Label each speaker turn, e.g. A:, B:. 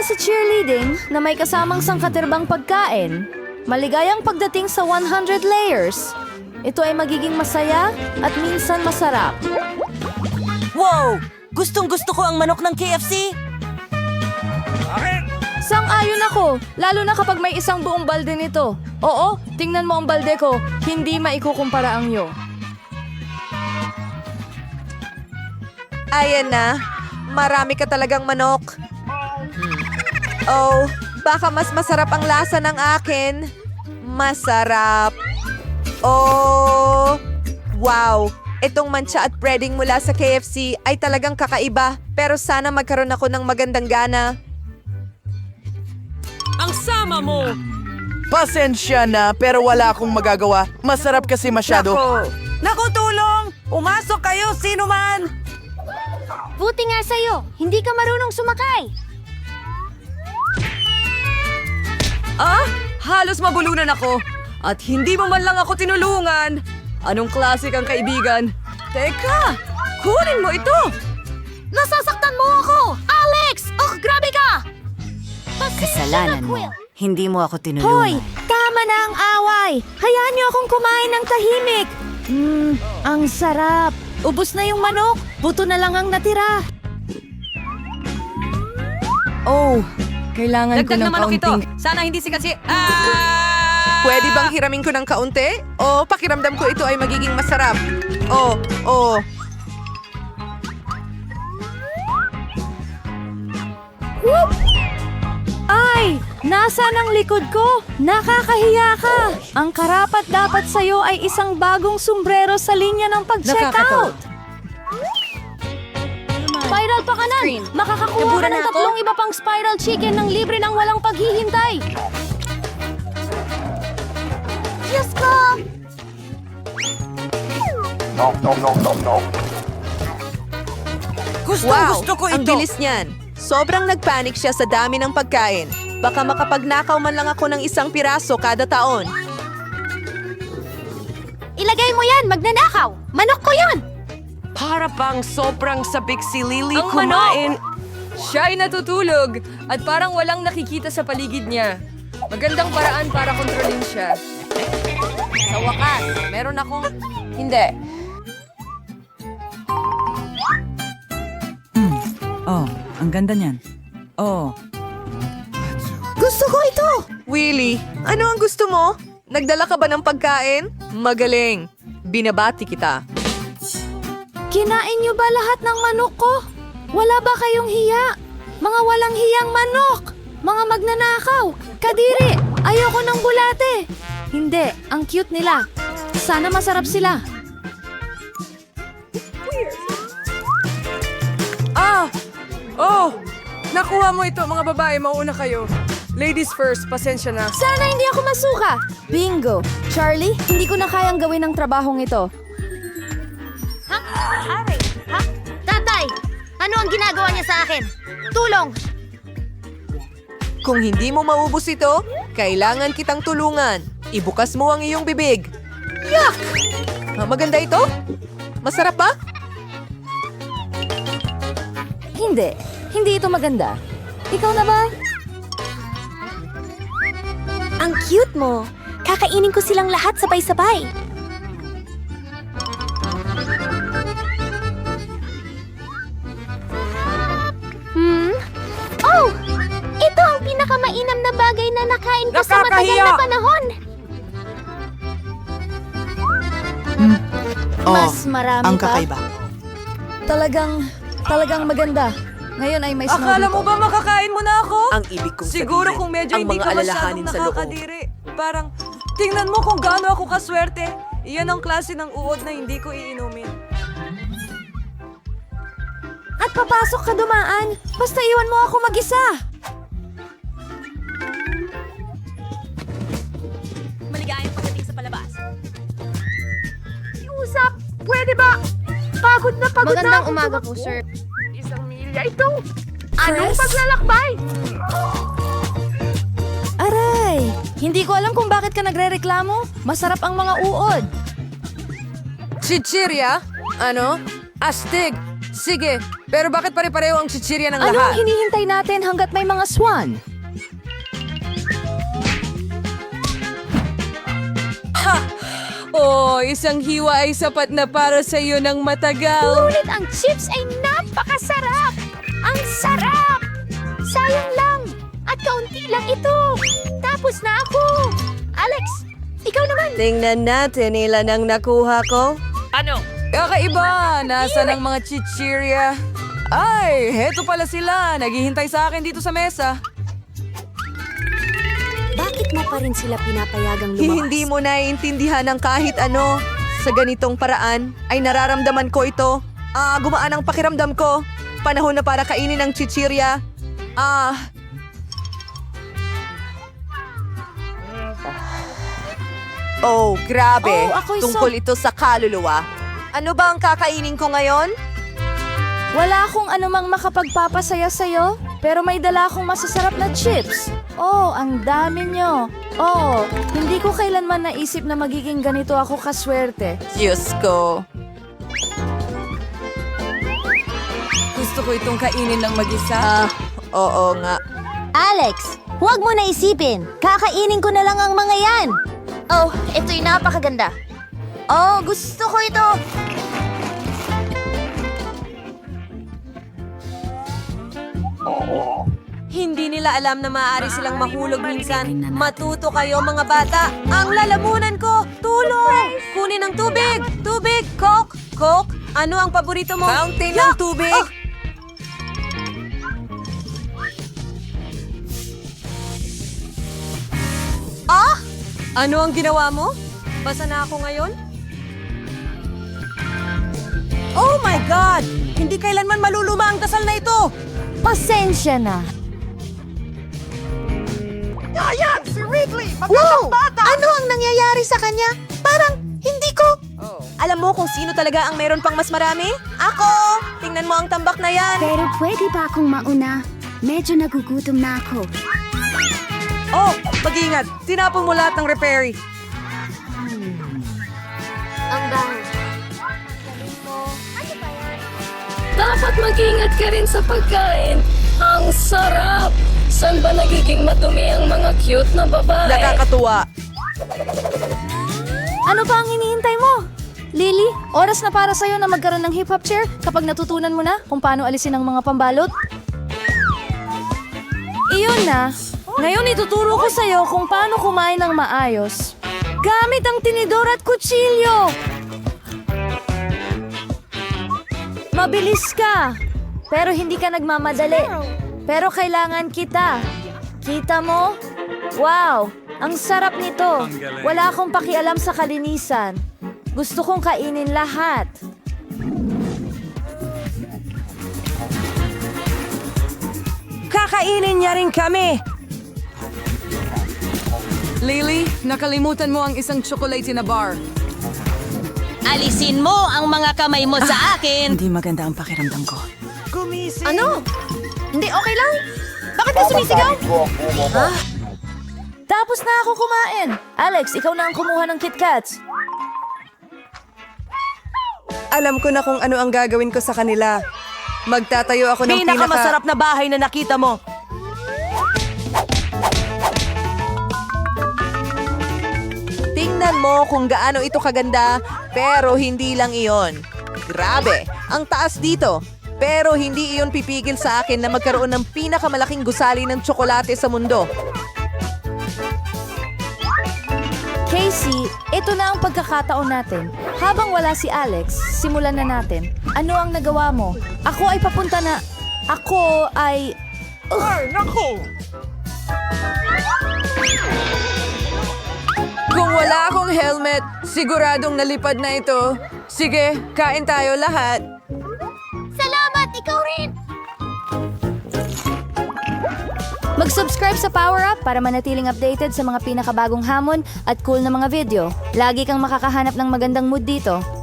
A: sa cheerleading na may kasamang sangkatirbang pagkain. Maligayang pagdating sa 100 layers. Ito ay magiging masaya at minsan masarap.
B: Wow! Gustong-gusto ko ang manok ng KFC!
A: Sang-ayon ako, lalo na kapag may isang buong balde nito. Oo, tingnan mo ang balde ko, hindi maikukumpara ang iyo.
C: Ayan na. Marami ka talagang manok. Oh, baka mas masarap ang lasa ng akin. Masarap. Oh, wow. Itong mancha at breading mula sa KFC ay talagang kakaiba. Pero sana magkaroon ako ng magandang gana.
B: Ang sama mo!
D: Pasensya na, pero wala akong magagawa. Masarap kasi masyado.
B: Naku, tulong! Umasok kayo, sino man!
E: Buti nga sa'yo, hindi ka marunong sumakay.
B: Ah, halos mabulunan ako. At hindi mo man lang ako tinulungan. Anong klase kang kaibigan? Teka, kunin mo ito!
E: Nasasaktan mo ako! Alex! Oh, grabe ka!
F: Kasalanan mo. Hindi mo ako tinulungan.
A: Hoy, tama na ang away! Hayaan niyo akong kumain ng tahimik! Ang sarap! Ubus na yung manok, buto na lang ang natira.
B: Oh, kailangan ko
C: Dagdag
B: ng
C: na manok ito.
B: kaunting...
C: Sana hindi si kasi... Pwede bang hiramin ko ng kaunti? O pakiramdam ko ito ay magiging masarap? Oh.
A: Ay! Nasaan ang likod ko? Nakakahiya ka! Ang karapat dapat sa'yo ay isang bagong sombrero sa linya ng pag-checkout! Spiral pa kanan! Makakakuha ka ng tatlong iba pang spiral chicken ng libre ng walang paghihintay!
E: Diyos ko!
B: Gusto ko ito!
C: Ang bilis niyan. Sobrang nagpanik siya sa dami ng pagkain. Baka makapagnakaw man lang ako ng isang piraso kada taon.
E: Ilagay mo yan, magnanakaw! Manok ko yan!
B: Para bang sobrang sabik si Lily
G: Ang
B: kumain.
G: Siya ay natutulog at parang walang nakikita sa paligid niya. Magandang paraan para kontrolin siya.
C: Sa wakas, meron akong... Hindi.
F: Oh, ang ganda niyan. Oh,
C: Gusto ko ito! Willie, ano ang gusto mo? Nagdala ka ba ng pagkain? Magaling. Binabati kita.
A: Kinain niyo ba lahat ng manok ko? Wala ba kayong hiya? Mga walang hiyang manok! Mga magnanakaw! Kadiri! Ayoko ng bulate! Hindi, ang cute nila. Sana masarap sila.
G: Oh! Nakuha mo ito, mga babae. Mauna kayo. Ladies first, pasensya na.
A: Sana hindi ako masuka! Bingo! Charlie, hindi ko na kayang gawin ang trabahong ito.
E: Ha? Ari? Ha? Tatay! Ano ang ginagawa niya sa akin? Tulong!
C: Kung hindi mo maubos ito, kailangan kitang tulungan. Ibukas mo ang iyong bibig. Yuck! Maganda ito? Masarap ba?
A: Hindi. Hindi ito maganda. Ikaw na ba?
E: Ang cute mo! Kakainin ko silang lahat sabay-sabay. Oh! Ito ang pinakamainam na bagay na nakain ko sa matagal na panahon!
A: Mas marami
F: ang
A: pa.
F: kakaiba.
A: Talagang maganda. Ngayon ay may snow
G: Akala
A: dito.
G: mo ba makakain mo na ako?
C: Ang ibig kong
G: Siguro
C: sabihin,
G: kung medyo
C: ang
G: hindi
C: mga
G: ka masyadong
C: alalahanin sa loob.
G: nakakadiri. Parang, tingnan mo kung gaano ako kaswerte. Iyan ang klase ng uod na hindi ko iinumin.
A: At papasok ka dumaan. Basta iwan mo ako mag-isa.
E: Maligayang pagdating sa palabas.
C: Usap, pwede ba? Pagod na
E: Magandang umaga po, sir.
C: Isang milya ito. Anong paglalakbay?
A: Aray! Hindi ko alam kung bakit ka nagrereklamo. Masarap ang mga uod.
C: Chichirya? Ano? Astig!
B: Sige, pero bakit pare-pareho ang chichirya ng
A: Ano
B: lahat?
A: ang hinihintay natin hanggat may mga swan?
B: Oh, isang hiwa ay sapat na para sa iyo ng matagal.
E: Ngunit ang chips ay napakasarap! Ang sarap! Sayang lang! At kaunti lang ito! Tapos na ako! Alex, ikaw naman!
B: Tingnan natin ilan ang nakuha ko. Kakaiba! Nasaan ang mga chichirya? Ay, heto pala sila. Naghihintay sa akin dito sa mesa.
F: Bakit mo pa rin sila pinapayagang lumabas?
C: Hindi mo naiintindihan ang kahit ano. Sa ganitong paraan ay nararamdaman ko ito. Gumaan ang pakiramdam ko. Panahon na para kainin ang chichirya. Oh, grabe.
A: Oh, ako'y
C: Tungkol ito sa kaluluwa. Ano ba ang kakainin ko ngayon?
A: Wala akong anumang makapagpapasaya sa'yo, pero may dala akong masasarap na chips. Oh, ang dami nyo. Oh, hindi ko kailanman naisip na magiging ganito ako kaswerte.
C: Diyos ko.
B: Gusto ko itong kainin ng mag-isa.
C: Oo nga.
E: Alex, huwag mo na isipin. Kakainin ko na lang ang mga yan. Oh, ito'y napakaganda. Oh, gusto ko ito.
B: Hindi nila alam na maaari silang mahulog minsan. Matuto kayo mga bata. Ang lalamunan ko! Tulong! Kunin ang tubig! Tubig! Coke! Coke! Ano ang paborito mo?
C: Fountain ng tubig.
B: Ano ang ginawa mo? Basa na ako ngayon? Oh my God! Hindi kailanman maluluma ang dasal na ito!
A: Pasensya na.
C: Wow! Ano ang nangyayari sa kanya? Parang hindi ko... Alam mo kung sino talaga ang meron pang mas marami? Ako! Tingnan mo ang tambak na yan.
H: Pero pwede ba akong mauna? Medyo nagugutom na ako.
B: Oh! Mag-ingat! Tinapon mo lahat ng repairy.
E: Ang bango.
G: Dapat mag-ingat ka rin sa pagkain. Ang sarap! Saan ba nagiging madumi ang mga cute na babae?
C: Nakakatuwa.
A: Ano pa ang hinihintay mo? Lily, oras na para sa'yo na magkaroon ng hip-hop chair kapag natutunan mo na kung paano alisin ang mga pambalot. Iyon na. Ngayon ituturo ko sa'yo kung paano kumain ng maayos. Gamit ang tinidor at kutsilyo. Mabilis ka, pero hindi ka nagmamadali. Pero kailangan kita. Kita mo? Wow, ang sarap nito. Wala akong pakialam sa kalinisan. Gusto kong kainin lahat.
B: Kakainin niya rin kami! Lily, nakalimutan mo ang isang chocolate na bar.
I: Alisin mo ang mga kamay mo sa akin!
F: Hindi maganda ang pakiramdam ko.
A: Ano? Hindi okay lang? Bakit ka sumisigaw? Tapos na ako kumain. Alex, ikaw na ang kumuha ng KitKats.
B: Alam ko na kung ano ang gagawin ko sa kanila. Magtatayo ako ng
C: Pinakamasarap na bahay na nakita mo. Tingnan mo kung gaano ito kaganda, pero hindi lang iyon. Grabe, ang taas dito. Pero hindi iyon pipigil sa akin na magkaroon ng pinakamalaking gusali ng tsokolate sa mundo.
A: Casey, ito na ang pagkakataon natin. Habang wala si Alex, simulan na natin. Ano ang nagawa mo? Ako ay papunta na... Ako ay...
B: Kung wala akong helmet, siguradong nalipad na ito. Sige, kain tayo lahat.
E: Salamat, ikaw rin!
A: Mag-subscribe sa Power Up para manatiling updated sa mga pinakabagong hamon at cool na mga video. Lagi kang makakahanap ng magandang mood dito.